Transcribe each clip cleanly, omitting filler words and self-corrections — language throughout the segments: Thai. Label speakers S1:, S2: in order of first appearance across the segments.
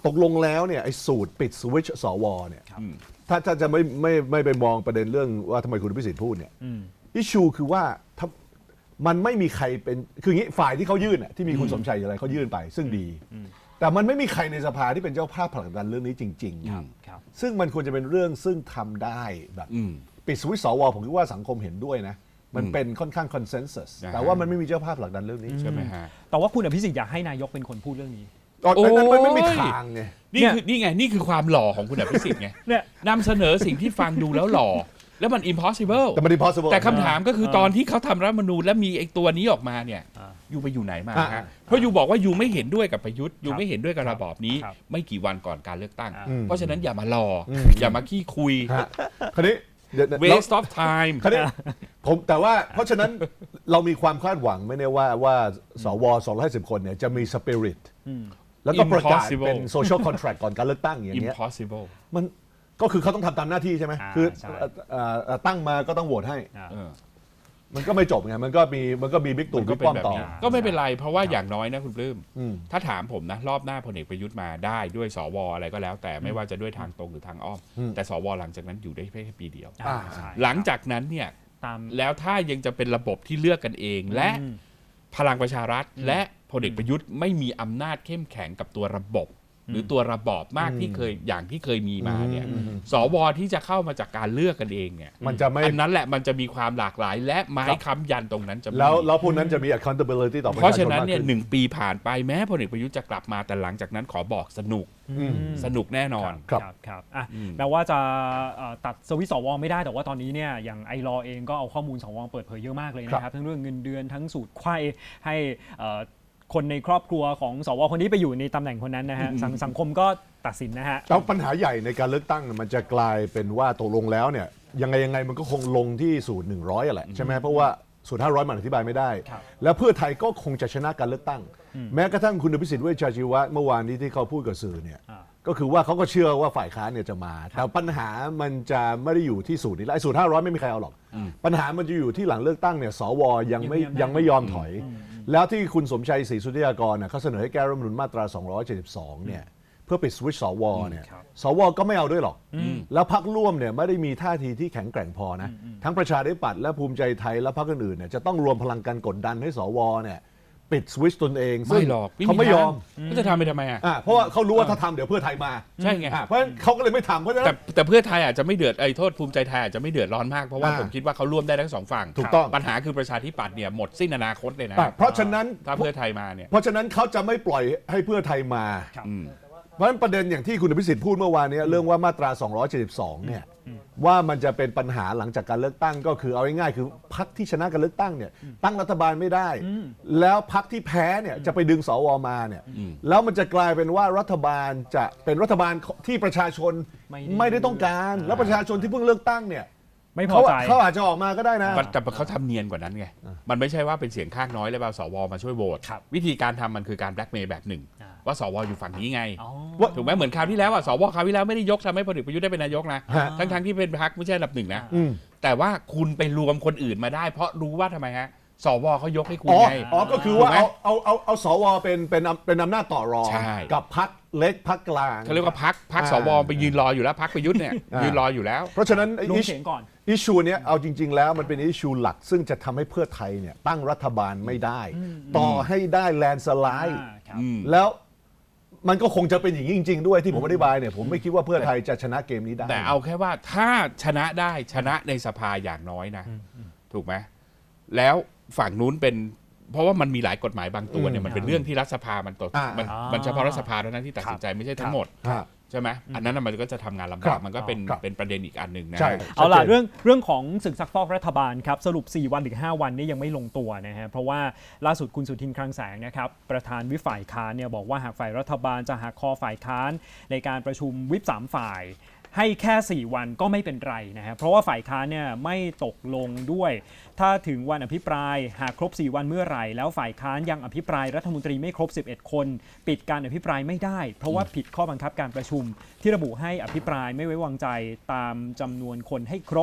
S1: ตกลงแล้วเนี่ยไอ้สูตรปิดสวิตช์สวเนี่ยถ้าจะไม่ไปมองประเด็นเรื่องว่าทำไมคุณพิสิทธิ์พูดเนี่ยอิชชูคือว่ามันไม่มีใครเป็นคืออย่างนี้ฝ่ายที่เขายื่นที่มีคุณสมชัยอะไรเขายื่นไปซึ่งดีแต่มันไม่มีใครในสภาที่เป็นเจ้าภาพผลักดันเรื่องนี้จริงๆซึ่งมันควรจะเป็นเรื่องซึ่งทำได้แบบปิดสวิตช์สวผมคิดว่าสังคมเห็นด้วยนะมันเป็นค่อนข้างคอนเซนแซสแต่ว่ามันไม่มีเจ้าภาพผลักดันเรื่องนี้
S2: ใช่ไหมฮะ
S3: แต่ว่าคุณอภิสิทธิ์อยากให้นายกเป็นคนพูดเรื่องนี้
S1: นั้นมันไม่มีทางไง
S2: นี่คือความหล่อของคุณอภิสิทธิ์ไงนำเสนอสิ่งที่ฟังดูแล้วหล่อแล้วมัน impossible
S1: แต่มัน impossible
S2: แต่คำถามก็คือตอนที่เขาทำรัฐธรรมนูญและมีไอ้ตัวนี้ออกมาเนี่ยยูไปอยู่ไหนมาฮะเพราะยูบอกว่ายูไม่เห็นด้วยกับประยุทธ์ยูไม่เห็นด้วยกับระบอบนี้ไม่กี่วันก่อนการเลือกตั้งเพราะฉะนั้นอย่ามารออย่ามาขี้คุย
S1: คราวนี้
S2: waste of time
S1: คราวนี้ผมแต่ว่าเพราะฉะนั้นเรามีความคาดหวังไม่แน่ว่าสว250 คนเนี่ยจะมี spirit แล้วก็ประกาศเป็น social contract ก่อนการเลือกตั้งอย่างเงี้ย
S2: impossible
S1: มันก็คือเขาต้องทำตามหน้าที่ใช่ไหมคือตั้งมาก็ต้องโหวตให้มันก็ไม่จบไงมันก็มีบิ๊กตู่บิ๊กป้อมต่อ
S2: ก็ไม่เป็นไรเพราะว่าอย่างน้อยนะคุณปลื้มถ้าถามผมนะรอบหน้าพลเอกประยุทธ์มาได้ด้วยสวอะไรก็แล้วแต่ไม่ว่าจะด้วยทางตรงหรือทางอ้อมแต่สวหลังจากนั้นอยู่ได้แค่ปีเดียวหลังจากนั้นเนี่ยแล้วถ้ายังจะเป็นระบบที่เลือกกันเองและพลังประชารัฐและพลเอกประยุทธ์ไม่มีอำนาจเข้มแข็งกับตัวระบบหรือตัวระบอบมากที่เคยมีมาเนี่ยสวที่จะเข้ามาจากการเลือกกันเองเนี่ย
S1: มันจะไม่
S2: อันนั้นแหละมันจะมีความหลากหลายและไม้ค้ำยันตรงนั้นจะ
S1: แล้วพวกนั้นจะมี accountability ต่อประชาชน
S2: เพราะฉะนั้นเนี่ย1 ปีผ่านไปแม้พลเอกประยุทธ์จะกลับมาแต่หลังจากนั้นขอบอกสนุกแน่นอน
S3: ครับแม้ว่าจะตัดสวิตช์สวไม่ได้แต่ว่าตอนนี้เนี่ยอย่างไอรอเองก็เอาข้อมูลสวเปิดเผยเยอะมากเลยนะครับทั้งเรื่องเงินเดือนทั้งสูตรไขว้ให้คนในครอบครัวของสวคนนี้ไปอยู่ในตำแหน่งคนนั้นนะฮะสังคมก็ตัดสินนะฮะ
S1: แล้วปัญหาใหญ่ในการเลือกตั้งมันจะกลายเป็นว่าตกลงแล้วเนี่ยยังไงมันก็คงลงที่สูตร100แหละใช่ไหมเพราะว่าสูตร500มันอธิบายไม่ได้แล้วเพื่อไทยก็คงจะชนะการเลือกตั้งแม้กระทั่งคุณอภิสิทธิ์เวชชาชีวะเมื่อวานนี้ที่เขาพูดกับสื่อเนี่ยก็คือว่าเขาก็เชื่อว่าฝ่ายค้านเนี่ยจะมาแต่ปัญหามันจะไม่ได้อยู่ที่สูตรนี้แล้วไอ้สูตร500ไม่มีใครเอาหรอกปัญหามันจะอยู่ที่หลังเลือกตั้งเนี่ยสวยังไม่ยอมถอยแล้วที่คุณสมชัยศรีสุทธิยากรเขาเสนอให้แก้รัฐธรรมนูญมาตรา272เนี่ยเพื่อปิดสวิตช์สวเนี่ยสวก็ไม่เอาด้วยหรอกแล้วพรรคร่วมเนี่ยไม่ได้มีท่าทีที่แข็งแกร่งพอนะทั้งประชาธิปัตย์และภูมิใจไทยและพรรคอื่นๆเนี่ยจะต้องรวมพลังกันกดดันให้สวเนี่ยปิดสวิตช์ตนเอง
S2: ไม่หรอก
S1: เขาไม่ยอม
S2: ก็จะทำไปทำไม
S1: เพราะว่าเขารู้ว่าถ้าทำเดี๋ยวเพื่อไทยมา
S2: ใช่ไง
S1: เพราะฉะนั้นเขาก็เลยไม่ทำเพราะฉะนั้น
S2: แต่เพื่อไทยอาจจะไม่เดือดโทษภูมิใจไทยอาจจะไม่เดือดร้อนมากเพราะว่าผมคิดว่าเขาร่วมได้ทั้งสองฝั่ง
S1: ถูกต้อง
S2: ปัญหาคือประชาธิปัตย์เนี่ยหมดสิ้นอนาคตเลยนะ
S1: เพราะฉะนั้น
S2: ถ้าเพื่อไทยมาเนี่ย
S1: เพราะฉะนั้นเขาจะไม่ปล่อยให้เพื่อไทยมาเพราะฉะนั้นประเด็นอย่างที่คุณอภิสิทธิ์พูดเมื่อวานนี้เรื่องว่ามาตรา272เนี่ยว่ามันจะเป็นปัญหาหลังจากการเลือกตั้งก็คือเอาง่ายๆคือพรรคที่ชนะการเลือกตั้งเนี่ยตั้งรัฐบาลไม่ได้แล้วพรรคที่แพ้เนี่ยจะไปดึงสวมาเนี่ยแล้วมันจะกลายเป็นว่ารัฐบาลจะเป็นรัฐบาลที่ประชาชนไม่ได้ต้องการแล้วประชาชนที่เพิ่งเลือกตั้งเนี่ย
S3: ไม่พอใจ
S1: เขาอาจจะออกมาก็ได้นะ
S2: แต่เขาทำเนียนกว่านั้นไงมันไม่ใช่ว่าเป็นเสียงข้างน้อยแล้วเอาสวมาช่วยโหวตวิธีการทำมันคือการแบล็กเมย์แบบหนึ่งว่าสวอยู่ฝั่งนี้ไงถูกไหมเหมือนคราวที่แล้วสวคราวที่แล้วไม่ได้ยกทำให้พลเอกประยุทธ์ได้เป็นนายกนะทั้งที่เป็นพรรคไม่ใช่อันดับหนึ่งนะแต่ว่าคุณไปรวมคนอื่นมาได้เพราะรู้ว่าทำไมฮะสวเขายกให้คุณไง
S1: ก็คือว่าเอาสวเป็นอำนาจต่อรองกับพรรคเล็กพรรคกลาง
S2: เขาเรียกว่าพรรคสวไปยืนรออยู่แล้วพรรคประยุทธ์เนี่ยยืนรออยู่แล้ว
S1: เพราะฉะนั้น
S3: อิ
S1: ชชูเนี้ยเอาจริงๆแล้วมันเป็นอิชชูหลักซึ่งจะทำให้เพื่อไทยเนี่ยตั้งรัฐบาลไม่ได้ต่อให้ได้แลนด์สไลด์แล้วมันก็คงจะเป็นอย่างนี้จริงๆด้วยที่ผมอธิบายเนี่ยผมไม่คิดว่าเพื่อไทยจะชนะเกมนี้ได้
S2: แต่เอาแค่ว่าถ้าชนะได้ชนะในสภาอย่างน้อยนะถูกไหมแล้วฝั่งนู้นเป็นเพราะว่ามันมีหลายกฎหมายบางตัวเนี่ยมันเป็นเรื่องที่รัฐสภามันเฉพาะรัฐสภาเท่านั้นที่ตัดสินใจไม่ใช่ทั้งหมดใช่ไหมอันนั้นมันก็จะทำงานลำบากมันก็เป็นประเด็นอีกอันหนึ่งนะ
S3: เอาล่ะเรื่องของศึกซักฟอกรัฐบาลครับสรุป4 วันหรือ5 วันนี้ยังไม่ลงตัวนะฮะเพราะว่าล่าสุดคุณสุทินคลังแสงนะครับประธานวิปฝ่ายค้านเนี่ยบอกว่าหากฝ่ายรัฐบาลจะหักคอฝ่ายค้านในการประชุมวิป3 ฝ่ายให้แค่4 วันก็ไม่เป็นไรนะฮะเพราะว่าฝ่ายค้านเนี่ยไม่ตกลงด้วยถ้าถึงวันอภิปรายหากครบ4 วันเมื่อไหร่แล้วฝ่ายค้านยังอภิปรายรัฐมนตรีไม่ครบ11 คนปิดการอภิปรายไม่ได้เพราะว่าผิดข้อบังคับการประชุมที่ระบุให้อภิปรายไม่ไว้วางใจตามจำนวนคนให้ครบ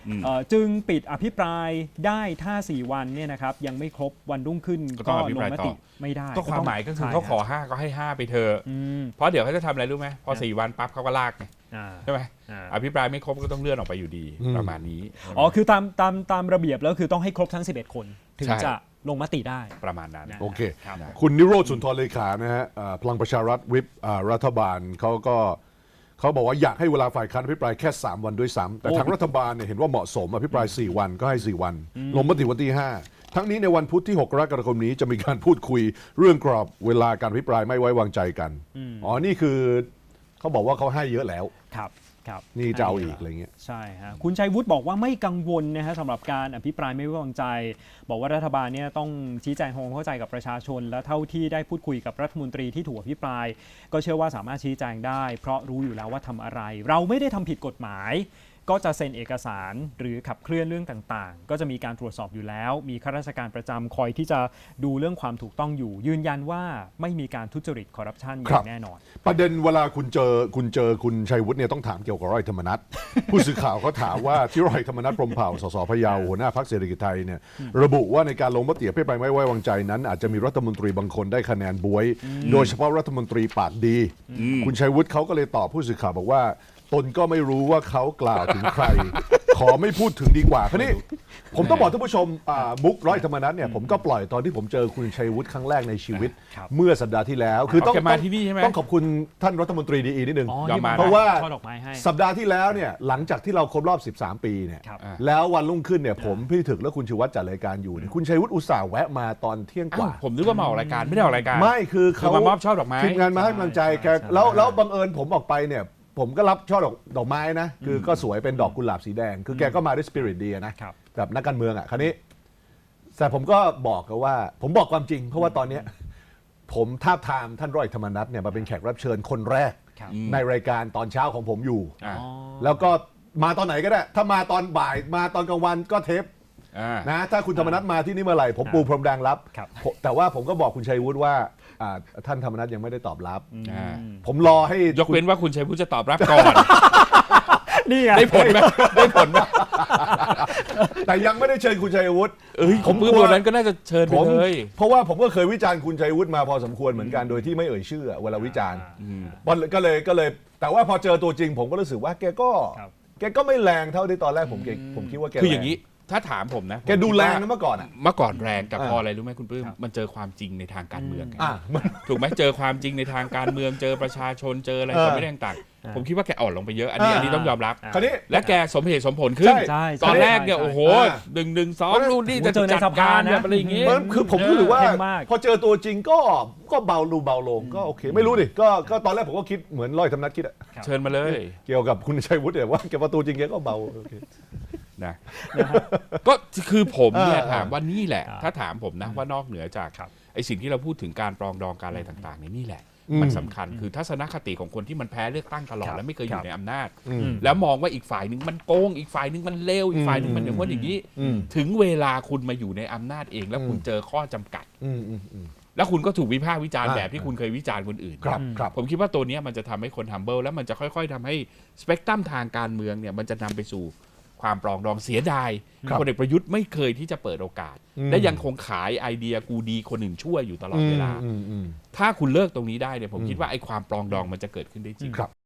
S3: จึงปิดอภิปรายได้ถ้า4 วันเนี่ยนะครับยังไม่ครบวันรุ่งขึ้น
S2: ก็ต้องอภิ
S3: ล
S2: ปราย
S3: งม
S2: ต่
S3: ติ
S2: อ
S3: ไม่ได้
S2: ก็ความหมายก็คือ
S3: ใช่
S2: เขาขอ
S3: รับ
S2: 5 ก็ให้ 5 ไปเถอะ
S3: อืม
S2: เพราะเดี๋ยวเขาจะทำอะไรรู้ไหมพอ 4 วันปั๊บเขาก็ลากไง
S3: อ่า
S2: ใช่ไหม
S3: อ่า
S2: อภิปรายไม่ครบก็ต้องเลื่อนออกไปอยู่ดี ประมาณนี้
S3: อ๋อคือตามระเบียบแล้วคือต้องให้ครบทั้ง11 คนถึง
S2: ใช่
S3: จะลงมติได้
S2: ประมาณนั้น
S1: โอเค
S3: ครับ
S1: คุณนิโรธสุนทรเลขานะฮะพลังประชารัฐวิปรัฐบาลเขาบอกว่าอยากให้เวลาฝ่ายค้านอภิปรายแค่ 3 วันด้วยซ้ำแต่ทางรัฐบาลเนี่ยเห็นว่าเหมาะสมอภิปราย 4 วันก็ให้ 4 วัน ลงมติวันที่ 5 ทั้งนี้ในวันพุธที่ 6 กรกฎาคมนี้จะมีการพูดคุยเรื่องกรอบเวลาการอภิปรายไม่ไว้วางใจกันอ๋อนี่คือเขาบอกว่าเขาให้เยอะแล้ว
S3: ครับครับ
S1: นี่จะเอาอีกอะไรเงี้ย
S3: ใช่ฮะคุณชัยวุฒิบอกว่าไม่กังวลนะฮะสำหรับการอภิปรายไม่ไว้วางใจ บอกว่ารัฐบาลเนี่ยต้องชี้แจงความเข้าใจกับประชาชน และเท่าที่ได้พูดคุยกับรัฐมนตรีที่ถูกอภิปราย ก็เชื่อว่าสามารถชี้แจงได้ เพราะรู้อยู่แล้วว่าทำอะไร เราไม่ได้ทำผิดกฎหมาย ก็จะเซ็นเอกสารหรือขับเคลื่อนเรื่องต่างๆ ก็จะมีการตรวจสอบอยู่แล้ว มีข้าราชการประจำคอยที่จะดูเรื่องความถูกต้องอยู่ ยืนยันว่าไม่มีการทุจริตคอร์รัปชันอย่างแน่นอน
S1: ประเด็นเวลาคุณเจอคุณชัยวุฒิเนี่ยต้องถามเกี่ยวกับร้อยธรรมนัฐ ผู้สื่อข่าวเขาถามว่าที่ร้อยธรรมนัฐพรหมเผ่าสสพะเยาหัวหน้าพรรคเศรษฐกิจไทยเนี่ยระบุว่าในการลงมติอภิปรายไม่ไว้วางใจนั้น อาจจะมีรัฐมนตรีบางคนได้คะแนนบวย โดยเฉพาะรัฐมนตรีปากดี คุณชัยวุฒิเขาก็เลยตอบผู้สื่อข่าวบอกว่าตนก็ไม่รู้ว่าเขากล่าวถึงใคร ขอไม่พูดถึงดีกว่าคราวนี้ผมต้องบอกท่านผู้ชมมุกร้อยธรรมนัฐเนี่ยผมก็ปล่อยตอนที่ผมเจอคุณชัยวุฒิครั้งแรกในชีวิต
S3: ครับ
S1: เมื่อสัปดาห์ที่แล้วคือต้อง
S2: แกมาที่นี่ใช่ไหม
S1: ต้องขอบคุณท่านรัฐมนตรีดีนิดนึง
S3: อ๋อ
S2: ยอมมา
S1: เพราะว่า
S3: ช่อดอกไม้ให้
S1: สัปดาห์ที่แล้วเนี่ยหลังจากที่เราครบรอบ 13 ปีเนี่ย
S3: ครับ
S1: แล้ววันรุ่งขึ้นเนี่ยผมพี่ถึกและคุณชูวัฒน์จัดรายการอยู่เนี่ยคุณชัยวุฒิอุตส่าห์แวะมาตอนเที่ยงก
S2: อ้าว
S1: ว่า
S2: ผมนึกว่ามาออกรายการไม่ได้ออกรายการ
S1: ไม่คือ
S2: คือ
S1: เขา
S2: มามอบช่อดอกไม้
S1: ทีมงานมาให้กำลังใจแก
S3: ใช่
S1: แล้วบังเอิญผมออกไปเนี่ยผมก็รับช่อดอกไม้นะคือก็สวยเป็นดอกกุหลาบสีแดง คือแกก็มาด้วยสปิริตดีนะครับ แบบนักการเมืองอ่ะคราวนี้แต่ผมก็บอกกันว่าผมบอกความจริง เพราะว่าตอนเนี้ยผมทาบทามท่านร้อยธรรมนัฐเนี่ยมาเป็นแขกรับเชิญคนแรก
S3: ครับ
S1: ในรายการตอนเช้าของผมอยู่
S2: อ่า
S3: อ๋อ
S1: แล้วก็มาตอนไหนก็ได้ ถ้ามาตอนบ่ายมาตอนกลางวันก็เทป
S2: อ่า
S1: นะถ้าคุณธรรมนัฐมาที่นี่เมื่อไหร่ผมปูพรมแดงรับ
S3: ครับ
S1: แต่ว่าผมก็บอกคุณชัยวุฒิว่าท่านธรรมนัฐยังไม่ได้ตอบรับ
S2: อ่า
S1: ผมรอให้
S2: ยกเว้นว่าคุณชัยวุฒิจะตอบรับก่อน
S3: นี่ไง
S2: ได้ผลไหมได้ผลไหม
S1: แต่ยังไม่ได้เชิญคุณชัยวุฒิ
S2: ผมปื้มวันนั้นก็น่าจะเชิญไป
S1: ผม
S2: เลย
S1: เพราะว่าผมก็เคยวิจารณ์คุณชัยวุฒิมาพอสมควรเหมือนกันโดยที่ไม่เอ่ยชื่อเวลาวิจารณ์ก็เลยแต่ว่าพอเจอตัวจริงผมก็รู้สึกว่าแกก็ไม่แรงเท่าที่ตอนแรกผมคิดว่าแก
S2: คืออย่างนี้ถ้าถามผมนะ
S1: แกดู
S2: ผมคิ
S1: แร
S2: ว่าง
S1: นะเมื่อก่อนอ่ะ
S2: เมื่อก่อนแรงแต่
S1: อ่า
S2: พออะไรรู้ไหมคุณปื้มมันเจอความจริงในทางการเมืองไง
S1: มัน
S2: ถูกไหมเจอความจริงในทางการเมืองเจอประชาชนเจออะไร
S1: เออ
S2: ไม่ได้ต่างๆผมคิดว่าแกอ่อนลงไปเยอะอันนี้ต้องยอมรับ
S1: คราวนี้
S2: และแกสมเหตุสมผลขึ้น
S3: ใช่
S2: ตอนแรกเนี่ย
S3: ใช่
S2: โอ้โห
S1: อ่า
S2: 1-1-2นู่นนี่จะ
S3: เจอใน
S2: จัด
S3: สภา
S2: การ
S3: นะ
S2: แบบอะไรอย่างงี้
S1: มันคือผมรู้สึกว่า
S3: เข้มมาก
S1: พอเจอตัวจริงก็เบาลงก็โอเค ไม่รู้ดิก็ตอนแรกผมก็คิดเหมือนร้อยธรรมนัฐคิดอะ
S2: เชิญมาเลย
S1: เกี่ยวกับคุณชัยวุฒิเนี่ยว่าแกประตูจริงแกก็เบาโอเค
S2: นะก็คือผมเนี่ย
S1: อ่า
S2: ถามว่านี่แหละ
S3: อ่า
S2: ถ้าถามผมนะว่านอกเหนือจากไอ้สิ่งที่เราพูดถึงการปรองดองการอะไรต่างๆเนี่ยนี่แหละ มันสำคัญคือทัศนคติของคนที่มันแพ้เลือกตั้งตลอดและไม่เคยอยู่ในอำนาจ แล้วมองว่าอีกฝ่ายหนึ่งมันโกงอีกฝ่ายหนึ่งมันเลวอีกฝ่ายหนึ่งมันอย่างว่าอย่างนี้ ถึงเวลาคุณมาอยู่ในอำนาจเองแล้วคุณเจอข้อจำกัด แล้วคุณก็ถูกวิพากษ์วิจารณ์แบบที่คุณเคยวิจารณ์คนอื่น
S1: ครับ
S2: ผมคิดว่าตัวเนี้ยมันจะทำให้คน humble แล้วมันจะค่อยๆทำให้สเปกตรัมทางการเมืองเนี่ยมันจะนำไปสู่ความปรองดองเสียดายพลเอกประยุทธ์ไม่เคยที่จะเปิดโอกาส และยังคงขายไอเดียกูดีคนอื่นช่วยอยู่ตลอดเวลา ถ้าคุณเลิกตรงนี้ได้เนี่ยผมคิดว่าไอ้ความปรองดองมันจะเกิดขึ้นได้จริง
S1: ครับ